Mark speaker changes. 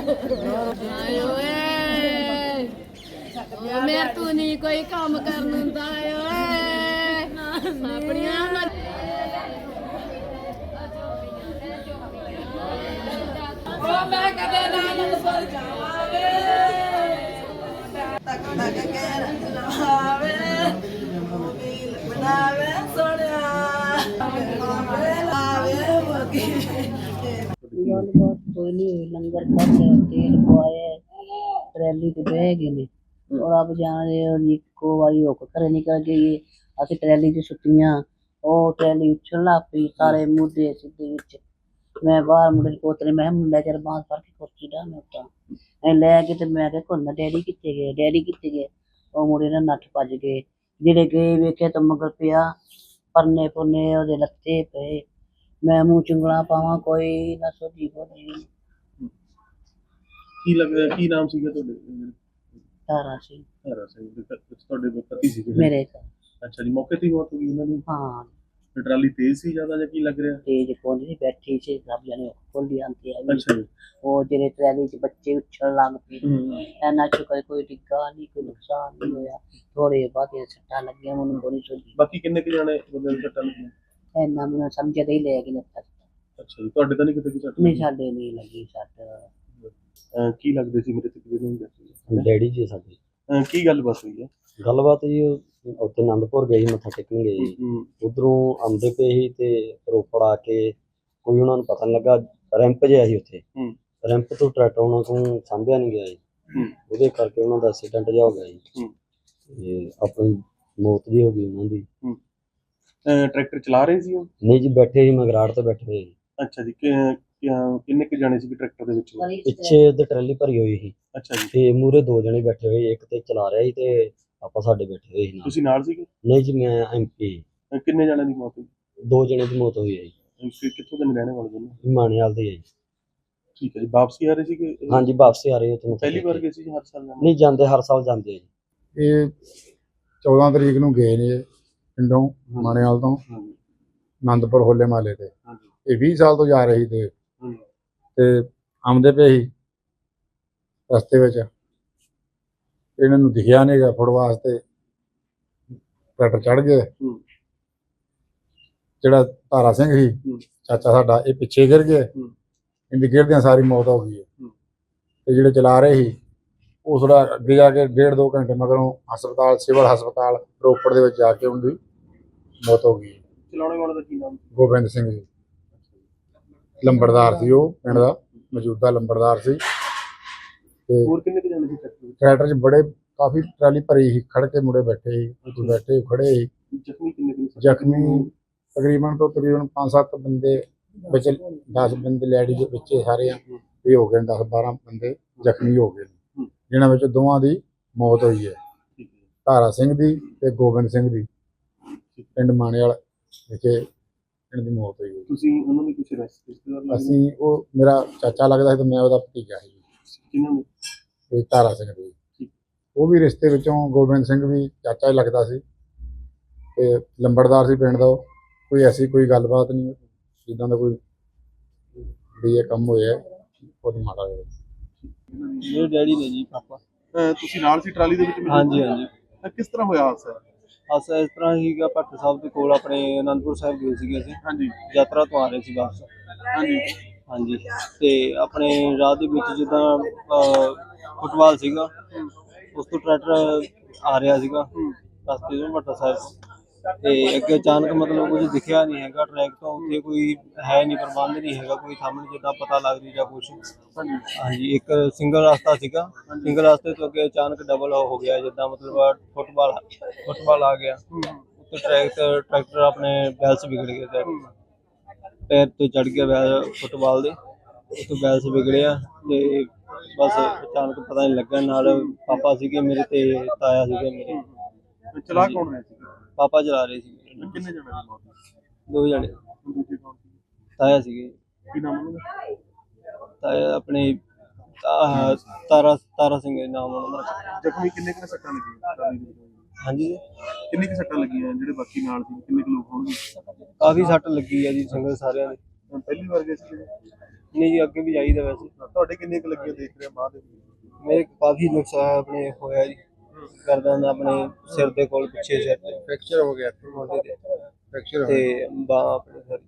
Speaker 1: ਆਏ ਓਏ ਮੈਂ ਤੂੰ ਨਹੀਂ ਕੋਈ ਕੰਮ ਕਰਨ ਹੁੰਦਾ ਓਏ ਆਪਣੀਆਂ ਮੈਂ ਕਦੇ ਨਾਲ ਸਰ ਜਾਵਾਂਗੇ ਤੱਕ ਤੱਕ ਕੇ ਰੰਗਾਵੇ ਮੋਬਿਲ ਬਣਾਵੇ ਸੋਹਣਿਆ ਲਾਵੇ ਮੋਗੀ
Speaker 2: ਗੱਲਬਾਤ ਕੋਈ ਨਹੀਂ ਹੋਈ। ਲੰਗਰ ਖਾਧਾ, ਤੇਲ ਪਵਾਇਆ, ਟਰੈਲੀ ਤੇ ਬਹਿ ਗਏ ਨੇ। ਔਰ ਆਪ ਜਾਣਦੇ ਹੋ ਜੀ, ਇੱਕੋ ਵਾਰੀ ਹੁੱਕ ਘਰੇ ਨਿਕਲ ਗਈ। ਅਸੀਂ ਟਰੈਲੀ 'ਚ ਸੁੱਤੀਆਂ, ਉਹ ਟਰੈਲੀ ਉੱਛਣ ਲੱਗ ਪਈ, ਸਾਰੇ ਮੁੱਦੇ ਸਿੱਧੇ ਵਿੱਚ। ਮੈਂ ਬਾਹਰ ਮੁੰਡੇ ਨੂੰ ਪੋਤਰੇ, ਮੈਂ ਕਿਹਾ ਮੁੰਡਾ ਚੱਲ ਬਾਂਹ ਫੜ ਕੇ ਕੁਰਸੀ ਢਾਹ ਮੈਂ ਉੱਤਾਂ ਐ ਲੈ ਕੇ। ਤੇ ਮੈਂ ਕਿਹਾ ਘੁੰਨਾ ਡੈਡੀ ਕਿੱਥੇ ਗਏ, ਡੈਡੀ ਕਿੱਥੇ ਗਏ? ਉਹ ਮੁੰਡੇ ਨਾਲ ਨੱਠ ਭੱਜ ਗਏ। ਜਿਹੜੇ ਗਏ ਵੇਖਿਆ ਤਾਂ ਮਗਰ ਪਿਆ ਪਰਨੇ ਪੁਰਨੇ ਉਹਦੇ ਲੱਤੇ ਪਏ। ਮੈਂ ਮੂੰਹ ਚੁੰਗਲਾਂ ਪਾਵਾਂ, ਕੋਈ ਨਾ ਸੋਝੀ ਬੋਝੀ।
Speaker 3: ਕੀ ਲੱਗਦਾ ਕੀ ਨਾਮ ਸੀਗਾ ਤੁਹਾਡੇ?
Speaker 2: ਤਾਰਾ ਸਿੰਘ
Speaker 3: ਤਾਰਾ ਸਿੰਘ ਤੁਹਾਡੇ ਪਤੀ ਸੀਗੇ?
Speaker 2: ਮੇਰੇ ਘਰ।
Speaker 3: ਅੱਛਾ ਜੀ, ਮੌਕੇ ਤੇ ਹੀ ਮੌਤ ਹੋ ਗਈ ਉਹਨਾਂ ਦੀ?
Speaker 2: ਹਾਂ,
Speaker 3: ਤੇ ਟਰਾਲੀ ਤੇਜ਼ ਸੀ ਜ਼ਿਆਦਾ ਜਾਂ ਕੀ ਲੱਗ ਰਿਹਾ?
Speaker 2: ਤੇਜ ਕੋਲ ਨਹੀਂ ਬੈਠੀ ਸੀ, ਸਭ ਜਣੇ ਖੋਲੀ ਆਂਦੀ ਹੈ।
Speaker 3: ਅੱਛਾ ਜੀ।
Speaker 2: ਉਹ ਜਿਹੜੇ ਟਰੈਲੀ 'ਚ ਬੱਚੇ ਉੱਛਣ ਲੱਗ ਪਏ। ਇੰਨਾ ਸ਼ੁਕਰ ਕੋਈ ਡਿੱਗਾ ਨਹੀਂ, ਕੋਈ ਨੁਕਸਾਨ ਨਹੀਂ ਹੋਇਆ। ਥੋੜੇ ਬਾਅਦ ਸੱਟਾਂ ਲੱਗੀਆਂ, ਮੈਨੂੰ ਬੜੀ ਸੋਝੀ।
Speaker 3: ਬਾਕੀ ਕਿੰਨੇ ਕੁ ਜਾਣੇ ਬੰਦੇ ਨੂੰ ਸੱਟਾਂ ਲੱਗੀਆਂ?
Speaker 2: ਇੰਨਾ ਮੈਨੂੰ ਸਮਝ ਨਹੀਂ ਲੈ ਕੇ ਲੱਗਾ।
Speaker 3: ਅੱਛਾ ਜੀ, ਤੁਹਾਡੇ ਤਾਂ ਨਹੀਂ ਕਿਤੇ ਸੱਟ
Speaker 2: ਨਹੀਂ, ਸਾਡੇ ਨਹੀਂ ਲੱਗੀ ਸੱਟ।
Speaker 3: ਕੀ ਲੱਗਦੇ ਸੀ ਮੇਰੇ ਤੇ ਕਿਹਦੇ ਨੂੰ?
Speaker 4: ਡੈਡੀ ਜੀ ਸਾਡੇ।
Speaker 3: ਕੀ ਗੱਲ ਬਸ ਹੋਈ ਹੈ?
Speaker 4: ਗੱਲਬਾਤ ਜੀ ਉੱਥੇ ਆਨੰਦਪੁਰ ਗਏ ਸੀ, ਮੱਥਾ ਟੇਕਣ ਗਏ ਸੀ। ਉਧਰੋਂ ਆਉਂਦੇ ਪਏ ਸੀ ਤੇ ਰੋਪੜ ਆ ਕੇ ਕੋਈ ਉਹਨਾਂ ਨੂੰ ਪਤਾ ਨਹੀਂ ਲੱਗਾ, ਰੈਂਪ ਜਿਹਾ ਸੀ ਉੱਥੇ। ਰੈਂਪ ਤੋਂ ਟਰੈਕਟਰ ਉਹਨਾਂ ਕੋਲ ਸਾਂਭਿਆ ਨਹੀਂ ਗਿਆ ਜੀ, ਉਹਦੇ ਕਰਕੇ ਉਹਨਾਂ ਦਾ ਐਕਸੀਡੈਂਟ ਜਿਹਾ ਹੋ ਗਿਆ ਜੀ। ਤੇ ਆਪਣੀ ਮੌਤ ਜੀ ਹੋ ਗਈ ਉਹਨਾਂ ਦੀ।
Speaker 3: ਟਰੈਕਟਰ ਚਲਾ ਰਹੇ ਸੀ ਉਹ?
Speaker 4: ਨਹੀਂ ਜੀ, ਬੈਠੇ ਸੀ ਮਗਰਾੜ ਤੇ ਬੈਠੇ ਹੋਏ।
Speaker 3: ਅੱਛਾ ਜੀ, ਕਿੰਨੇ ਕੁ ਜਾਣੇ ਸੀ ਟਰੈਕਟਰ ਦੇ ਵਿੱਚ?
Speaker 4: ਪਿੱਛੇ ਉਹਦੇ ਟਰਾਲੀ ਭਰੀ ਹੋਈ ਸੀ।
Speaker 3: ਅੱਛਾ ਜੀ।
Speaker 4: ਤੇ ਮੂਹਰੇ ਦੋ ਜਣੇ ਬੈਠੇ ਹੋਏ, ਇੱਕ ਤੇ ਚਲਾ ਰਿਹਾ ਸੀ ਤੇ ਆਪਾਂ ਸਾਡੇ ਬੈਠੇ ਹੋਏ ਸੀ।
Speaker 3: ਤੁਸੀਂ ਨਾਲ ਸੀਗੇ?
Speaker 4: ਨਹੀਂ ਜੀ, ਮੈਂ MP।
Speaker 3: ਕਿੰਨੇ ਜਣਿਆਂ ਦੀ ਮੌਤ ਹੋਈ?
Speaker 4: ਦੋ ਜਣੇ ਦੀ ਮੌਤ ਹੋਈ ਹੈ ਜੀ।
Speaker 3: ਕਿੱਥੋਂ ਦੇ ਰਹਿਣੇ ਵਾਲੇ ਦੋਨੋਂ?
Speaker 4: ਮਾਣੇਵਾਲ ਦੇ ਹੈ ਜੀ।
Speaker 3: ਠੀਕ ਹੈ ਜੀ, ਵਾਪਸੀ ਆ ਰਹੇ ਸੀਗੇ?
Speaker 4: ਹਾਂਜੀ, ਵਾਪਸੀ ਆ ਰਹੇ ਹੋ।
Speaker 3: ਪਹਿਲੀ ਵਾਰ ਗਏ ਸੀ ਹਰ ਸਾਲ?
Speaker 4: ਨਹੀਂ, ਜਾਂਦੇ ਹਰ ਸਾਲ ਜਾਂਦੇ ਆ ਜੀ।
Speaker 5: ਇਹ 14 ਤਰੀਕ ਨੂੰ ਗਏ ਨੇ ਪਿੰਡੋਂ ਮਾਣੇਵਾਲ ਤੋਂ ਆਨੰਦਪੁਰ ਹੋਲੇ ਮਹੱਲੇ ਤੇ। ਇਹ 20 ਸਾਲ ਤੋਂ ਜਾ ਰਹੀ ਤੇ ਆਉਂਦੇ ਪਏ ਸੀ ਰਸਤੇ ਵਿੱਚ, ਇਹਨਾਂ ਨੂੰ ਦਿਖਿਆ ਨਹੀਂ ਗਾ ਫੁੱਟ ਵਾਸਤੇ, ਟਰੈਕਟਰ ਚੜ ਗਏ। ਜਿਹੜਾ ਤਾਰਾ ਸਿੰਘ ਸੀ ਚਾਚਾ ਸਾਡਾ, ਇਹ ਪਿੱਛੇ ਗਿਰ ਗਏ। ਇਹਦੀ ਗਿਰਦਿਆਂ ਸਾਰੀ ਮੌਤ ਹੋ ਗਈ ਹੈ। ਤੇ ਜਿਹੜੇ ਚਲਾ ਰਹੇ ਸੀ ਉਹ ਥੋੜਾ ਅੱਗੇ ਜਾ ਕੇ 1.5-2 ਘੰਟੇ ਮਗਰੋਂ ਹਸਪਤਾਲ, ਸਿਵਲ ਹਸਪਤਾਲ ਰੋਪੜ ਦੇ ਵਿੱਚ ਜਾ ਕੇ ਉਹਦੀ ਮੌਤ ਹੋ ਗਈ।
Speaker 3: ਚਲਾਉਣੇ ਵਾਲੇ ਦਾ ਕੀ ਨਾਮ?
Speaker 5: ਗੋਬਿੰਦ ਸਿੰਘ ਜੀ, ਲੰਬੜਦਾਰ ਸੀ ਉਹ ਪਿੰਡ ਦਾ, ਮੌਜੂਦਾ ਲੰਬੜਦਾਰ ਸੀ। ਤੇ
Speaker 3: ਹੋਰ ਕਿੰਨੇ ਕੁ ਜਾਣੇ ਸੀ
Speaker 5: ਟਰੈਕਟਰ 'ਚ ਬੜੇ ਕਾਫੀ ਟਰਾਲੀ ਭਰੀ ਸੀ, ਖੜ ਕੇ ਮੁੰਡੇ ਬੈਠੇ ਸੀ, ਬੈਠੇ ਖੜੇ ਸੀ।
Speaker 3: ਜ਼ਖਮੀ ਕਿੰਨੇ ਕੁ?
Speaker 5: ਜ਼ਖਮੀ ਤਕਰੀਬਨ 5-7 ਬੰਦੇ ਵਿੱਚ, 10 ਬੰਦੇ ਲੈਡੀ ਦੇ ਵਿੱਚ ਸਾਰੇ ਇਹ ਹੋ ਗਏ, 10-12 ਬੰਦੇ ਜ਼ਖਮੀ ਹੋ ਗਏ, ਜਿਨ੍ਹਾਂ ਵਿੱਚ ਦੋਵਾਂ ਦੀ ਮੌਤ ਹੋਈ ਹੈ, ਤਾਰਾ ਸਿੰਘ ਦੀ ਤੇ ਗੋਬਿੰਦ ਸਿੰਘ ਦੀ। ਪਿੰਡ ਮਾਣੇਵਾਲ ਵਿਖੇ ਇਹਨਾਂ ਦੀ ਮੌਤ ਹੋਈ ਹੈ।
Speaker 3: ਤੁਸੀਂ ਉਹਨਾਂ ਨੂੰ ਕੁਝ ਰਿਸ਼ਤੇਦਾਰ?
Speaker 5: ਅਸੀਂ, ਉਹ ਮੇਰਾ ਚਾਚਾ ਲੱਗਦਾ ਸੀ ਤੇ ਮੈਂ ਉਹਦਾ ਭਤੀਜਾ ਸੀ।
Speaker 3: ਕਿਹਨਾਂ ਨੇ?
Speaker 5: ਤੇ ਤਾਰਾ ਸਿੰਘ ਦੀ, ਉਹ ਵੀ ਰਿਸ਼ਤੇ ਵਿੱਚੋਂ। ਗੋਬਿੰਦ ਸਿੰਘ ਵੀ ਚਾਚਾ ਹੀ ਲੱਗਦਾ ਸੀ ਤੇ ਲੰਬੜਦਾਰ ਸੀ ਪਿੰਡ ਦਾ। ਕੋਈ ਐਸੀ ਕੋਈ ਗੱਲਬਾਤ ਨਹੀਂ ਜਿੱਦਾਂ ਦਾ ਕੋਈ ਵੀ ਇਹ ਕੰਮ ਹੋਇਆ ਬਹੁਤ ਮਾੜਾ ਹੋਇਆ।
Speaker 4: ਮੇਰੇ ਡੈਡੀ ਨੇ ਜੀ, ਪਾਪਾ।
Speaker 3: ਤੁਸੀਂ ਨਾਲ ਸੀ ਟਰਾਲੀ ਦੇ ਵਿੱਚ?
Speaker 4: ਹਾਂਜੀ ਹਾਂਜੀ।
Speaker 3: ਕਿਸ ਤਰ੍ਹਾਂ ਹੋਇਆ ਹਾਦਸਾ?
Speaker 4: ਅਸਾਂ ਇਸ ਤਰ੍ਹਾਂ ਹੀਗਾ, ਭੱਟ ਸਾਹਿਬ ਦੇ ਕੋਲ ਆਪਣੇ ਅਨੰਦਪੁਰ ਸਾਹਿਬ ਗਏ ਸੀਗੇ ਅਸੀਂ।
Speaker 3: ਹਾਂਜੀ।
Speaker 4: ਯਾਤਰਾ ਤੋਂ ਆ ਰਹੇ ਸੀ ਵਾਪਸ।
Speaker 3: ਹਾਂਜੀ
Speaker 4: ਹਾਂਜੀ। ਤੇ ਆਪਣੇ ਰਾਹ ਦੇ ਵਿੱਚ ਜਿੱਦਾਂ ਫੁੱਟਬਾਲ ਸੀਗਾ, ਉਸ ਤੋਂ ਟਰੈਕਟਰ ਆ ਰਿਹਾ ਸੀਗਾ ਰਸਤੇ ਤੋਂ ਭੱਟ ਸਾਹਿਬ, ਤੇ ਅੱਗੇ ਅਚਾਨਕ ਮਤਲਬ ਕੁਝ ਦਿਖਿਆ ਨਹੀਂ ਹੈਗਾ ਟਰੈਕ ਤੋਂ। ਉੱਥੇ ਕੋਈ ਹੈ ਨਹੀਂ, ਪ੍ਰਬੰਧ ਨਹੀਂ ਹੈਗਾ ਕੋਈ ਸਾਹਮਣੇ ਜਿੱਦਾਂ ਪਤਾ ਲੱਗ ਰਹੀ ਜਾਂ ਕੁਛ। ਹਾਂਜੀ, ਇੱਕ ਸਿੰਗਲ ਰਸਤਾ ਸੀਗਾ, ਸਿੰਗਲ ਰਸਤੇ ਤੋਂ ਅੱਗੇ ਅਚਾਨਕ ਡਬਲ ਹੋ ਗਿਆ, ਜਿੱਦਾਂ ਮਤਲਬ ਫੁੱਟਬਾਲ ਆ ਗਿਆ। ਉੱਤੇ ਟਰੈਕਟਰ ਆਪਣੇ ਬੈਲਸ ਵਿਗੜ ਗਏ, ਪੈਰ ਤੋਂ ਚੜ ਗਿਆ ਬੈਲ ਫੁੱਟਬਾਲ ਦੇ, ਉੱਥੇ ਬੈਲਸ ਵਿਗੜਿਆ। ਤੇ ਬਸ ਅਚਾਨਕ ਪਤਾ ਨਹੀਂ ਲੱਗਾ। ਨਾਲ ਪਾਪਾ ਸੀਗੇ ਮੇਰੇ ਤੇ ਤਾਇਆ ਸੀਗੇ ਮੇਰੇ।
Speaker 3: ਚਲਾ ਕੌਣ ਰਿਹਾ ਸੀ?
Speaker 4: ਪਾਪਾ ਚਲਾ ਰਹੇ ਸੀ।
Speaker 3: ਕਿੰਨੇ ਜਣੇ ਦੀ ਮੌਤ?
Speaker 4: 2 ਜਣੇ।
Speaker 3: ਦੂਜੇ ਕੌਣ ਸੀ?
Speaker 4: ਤਾਇਆ ਸੀਗੇ।
Speaker 3: ਕੀ ਨਾਮ ਉਹਨਾਂ ਦਾ?
Speaker 4: ਤਾਇਆ ਆਪਣੇ ਤਾਰਾ ਸਿੰਘ ਨਾਮ ਉਹਨਾਂ ਦਾ।
Speaker 3: ਜ਼ਖਮੀ ਕਿੰਨੇ ਕੁ ਸੱਟਾਂ ਲੱਗੀਆਂ?
Speaker 4: ਹਾਂਜੀ,
Speaker 3: ਕਿੰਨੇ ਕੁ ਸੱਟਾਂ ਲੱਗੀਆਂ? ਜਿਹੜੇ ਬਾਕੀ ਨਾਲ ਸੀ ਕਿੰਨੇ ਕੁ ਲੋਕ ਹੋਣਗੇ?
Speaker 4: ਕਾਫੀ ਸੱਟ ਲੱਗੀ ਆ ਜੀ, ਸੰਗਤ ਸਾਰਿਆਂ ਦੀ।
Speaker 3: ਪਹਿਲੀ ਵਾਰ ਗਏ ਸੀ?
Speaker 4: ਨਹੀਂ ਜੀ, ਅੱਗੇ ਵੀ ਜਾਈਦਾ ਵੈਸੇ।
Speaker 3: ਤੁਹਾਡੇ ਕਿੰਨੇ ਕੁ ਲੱਗੀਆਂ ਦੇਖ ਰਿਹਾ ਬਾਅਦ ਦੇ ਵਿੱਚ?
Speaker 4: ਮੇਰੇ ਕਾਫੀ ਨੁਕਸਾਨ ਆਪਣੇ ਹੋਇਆ ਜੀ, ਗਰਦਨ ਆਪਣੇ ਸਿਰ ਦੇ ਕੋਲ, ਪਿੱਛੇ ਸਿਰ ਤੇ
Speaker 3: ਫ੍ਰੈਕਚਰ ਹੋ ਗਿਆ
Speaker 4: ਮੋਢੇ ਤੇ
Speaker 3: ਫ੍ਰੈਕਚਰ
Speaker 4: ਤੇ ਬਾਂਹ ਆਪਣੇ ਸਿਰ